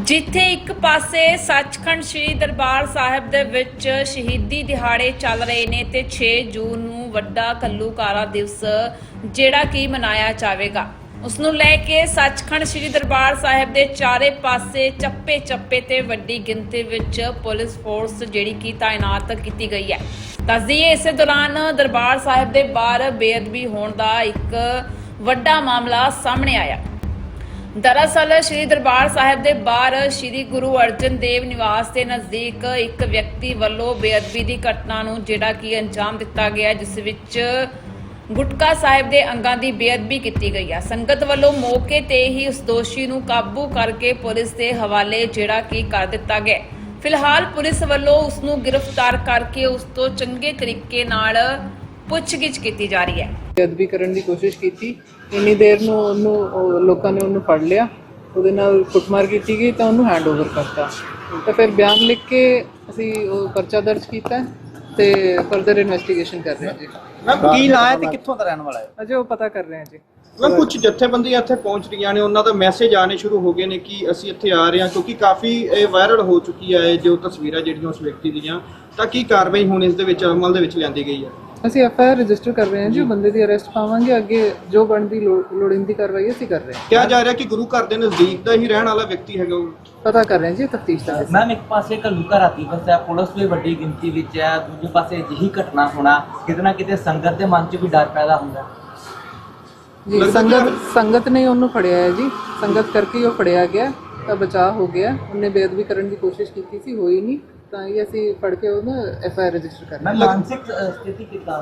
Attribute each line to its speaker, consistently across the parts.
Speaker 1: ਜਿੱਥੇ ਇੱਕ ਪਾਸੇ ਸੱਚਖੰਡ ਸ੍ਰੀ ਦਰਬਾਰ ਸਾਹਿਬ ਦੇ ਵਿੱਚ ਸ਼ਹੀਦੀ ਦਿਹਾੜੇ ਚੱਲ ਰਹੇ ਨੇ ਤੇ 6 ਜੂਨ ਨੂੰ ਵੱਡਾ ਘੱਲੂਘਾਰਾ ਦਿਵਸ ਜਿਹੜਾ ਕਿ ਮਨਾਇਆ ਜਾਵੇਗਾ, ਉਸ ਨੂੰ ਲੈ ਕੇ ਸੱਚਖੰਡ ਸ੍ਰੀ ਦਰਬਾਰ ਸਾਹਿਬ ਦੇ ਚਾਰੇ ਪਾਸੇ ਚੱਪੇ ਤੇ ਵੱਡੀ ਗਿਣਤੀ ਵਿੱਚ ਪੁਲਿਸ ਫੋਰਸ ਜਿਹੜੀ ਕਿ ਤਾਇਨਾਤ ਕੀਤੀ ਗਈ ਹੈ। ਦੱਸਦੀਏ ਇਸੇ ਦੌਰਾਨ ਦਰਬਾਰ ਸਾਹਿਬ ਦੇ ਬਾਹਰ ਬੇਅਦਬੀ ਹੋਣ ਦਾ ਇੱਕ ਵੱਡਾ ਮਾਮਲਾ ਸਾਹਮਣੇ ਆਇਆ। दरअसल श्री दरबार साहिब के बाहर श्री गुरु अर्जन देव निवास के नज़दीक एक व्यक्ति वालों बेअदबी की घटना नूं जिहड़ा कि अंजाम दिता गया, जिस विच गुटका साहिब के अंगां की बेअदबी की गई है। संगत वालों मौके ते ही उस दोषी नूं काबू करके पुलिस के हवाले जिहड़ा कि कर दिता गया। फिलहाल पुलिस वालों उसनूं गिरफ्तार करके उस तो चंगे तरीके नाल पुछगिछ की जा रही है।
Speaker 2: बेअदबी करने की कोशिश की, इन्नी देर ਨੂੰ ਉਹਨੂੰ ਲੋਕਾਂ ਨੇ ਉਹਨੂੰ ਫੜ ਲਿਆ, ਉਹਦੇ ਨਾਲ ਕੁੱਟਮਾਰ ਕੀਤੀ ਗਈ ਤਾਂ ਉਹਨੂੰ ਹੈਂਡਓਵਰ ਕਰਤਾ ਤਾਂ ਫਿਰ ਬਿਆਨ ਲਿਖ ਕੇ ਅਸੀਂ ਉਹ ਪਰਚਾ ਦਰਜ ਕੀਤਾ ਤੇ ਫਰਦਰ ਇਨਵੈਸਟੀਗੇਸ਼ਨ ਕਰ ਰਹੇ ਹਾਂ ਜੀ।
Speaker 3: ਮੈਂ ਕੀ ਨਾਂ ਹੈ ਤੇ ਕਿੱਥੋਂ ਦਾ ਰਹਿਣ ਵਾਲਾ ਹੈ?
Speaker 2: ਅਜੇ ਉਹ ਪਤਾ ਕਰ ਰਹੇ ਹਾਂ ਜੀ।
Speaker 3: ਮੈਂ ਕੁਝ ਜਥੇਬੰਦੀਆਂ ਇੱਥੇ ਪਹੁੰਚ ਰਹੀਆਂ ਨੇ, ਉਹਨਾਂ ਦਾ ਮੈਸੇਜ ਆਣੇ ਸ਼ੁਰੂ ਹੋ ਗਏ ਨੇ ਕਿ ਅਸੀਂ ਇੱਥੇ ਆ ਰਹੇ ਹਾਂ, ਕਿਉਂਕਿ ਕਾਫੀ ਇਹ ਵਾਇਰਲ ਹੋ ਚੁੱਕੀ ਹੈ ਜੋ ਤਸਵੀਰਾਂ ਜਿਹੜੀਆਂ ਉਸ ਵਿਅਕਤੀ ਦੀਆਂ। ਤਾਂ ਕੀ ਕਾਰਵਾਈ ਹੁਣ ਇਸ ਦੇ ਵਿੱਚ ਅਮਲ ਦੇ ਵਿੱਚ ਲਿਆਂਦੀ ਗਈ ਹੈ? ਅਸੀਂ
Speaker 2: ਐਫਆਈਆਰ ਰਜਿਸਟਰ ਕਰ ਰਹੇ ਹਾਂ ਜੀ, ਬੰਦੇ ਦੀ ਅਰੈਸਟ ਪਾਵਾਂਗੇ, ਅੱਗੇ ਜੋ ਬਣਦੀ ਲੋੜੀਂਦੀ ਕਾਰਵਾਈ ਅਸੀਂ ਕਰ ਰਹੇ ਹਾਂ।
Speaker 3: ਕਿਹਾ ਜਾ ਰਿਹਾ ਕਿ ਗੁਰੂ ਘਰ ਦੇ ਨਜ਼ਦੀਕ ਦਾ ਹੀ ਰਹਿਣ ਵਾਲਾ ਵਿਅਕਤੀ ਹੈਗਾ ਉਹ।
Speaker 2: ਪਤਾ ਕਰ ਰਹੇ ਹਾਂ ਜੀ, ਤਫਤੀਸ਼ ਦਾ।
Speaker 4: ਮੈਮ ਇੱਕ ਪਾਸੇ ਘੱਲੂਘਾਰਾ ਦਿਵਸ ਹੈ, ਪੁਲਿਸ ਵੀ ਵੱਡੀ ਗਿਣਤੀ ਵਿੱਚ ਹੈ, ਦੂਜੇ ਪਾਸੇ ਅਜਿਹੀ ਘਟਨਾ ਹੋਣਾ ਕਿਤੇ ਨਾ ਕਿਤੇ ਸੰਗਤ ਦੇ ਮਨ 'ਚ ਵੀ ਡਰ ਪੈਦਾ ਹੁੰਦਾ
Speaker 2: ਜੀ। ਸੰਗਤ ਨੇ ਉਹਨੂੰ ਫੜਿਆ ਹੈ ਜੀ, ਸੰਗਤ ਕਰਕੇ ਉਹ ਫੜਿਆ ਗਿਆ ਤਾਂ ਬਚਾਅ ਹੋ ਗਿਆ। ਉਹਨੇ ਬੇਅਦਬੀ ਕਰਨ ਦੀ ਕੋਸ਼ਿਸ਼ ਕੀਤੀ ਸੀ, ਹੋਈ ਨਹੀਂ, ਤਾਂ ਇਹ ਅਸੀਂ ਫੜ ਕੇ ਉਹਨੂੰ ਐਫਆਈਆਰ ਰਜਿਸਟਰ ਕਰ ਰਹੇ ਹਾਂ।
Speaker 4: ਮਾਨਸਿਕ ਸਥਿਤੀ ਕਿੱਦਾਂ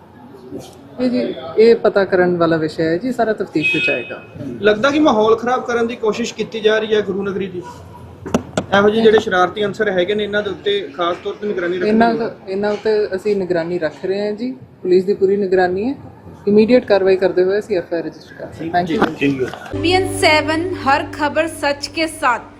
Speaker 2: ਇਹ ਜੀ ਇਹ ਪਤਾ ਕਰਨ ਵਾਲਾ ਵਿਸ਼ਾ ਹੈ ਜੀ, ਸਾਰਾ ਤਫਤੀਸ਼ ਵਿੱਚ ਆਏਗਾ।
Speaker 3: ਲੱਗਦਾ ਕਿ ਮਾਹੌਲ ਖਰਾਬ ਕਰਨ ਦੀ ਕੋਸ਼ਿਸ਼ ਕੀਤੀ ਜਾ ਰਹੀ ਹੈ ਗੁਰੂ ਨਗਰੀ ਦੀ। ਇਹੋ ਜਿਹੇ ਜਿਹੜੇ ਸ਼ਰਾਰਤੀ ਅੰਸਰ ਹੈਗੇ ਨੇ ਇਹਨਾਂ ਦੇ ਉੱਤੇ ਖਾਸ ਤੌਰ ਤੇ ਨਿਗਰਾਨੀ ਰੱਖਣੀ।
Speaker 2: ਇਹਨਾਂ ਉੱਤੇ ਅਸੀਂ ਨਿਗਰਾਨੀ ਰੱਖ ਰਹੇ ਹਾਂ ਜੀ, ਪੁਲਿਸ ਦੀ ਪੂਰੀ ਨਿਗਰਾਨੀ ਹੈ। इमीडिएट कार्रवाई करते हुए ਅਸੀਂ एफआईआर रजिस्टर कर रहे हैं। Thank you.
Speaker 1: PN7 हर खबर सच के साथ।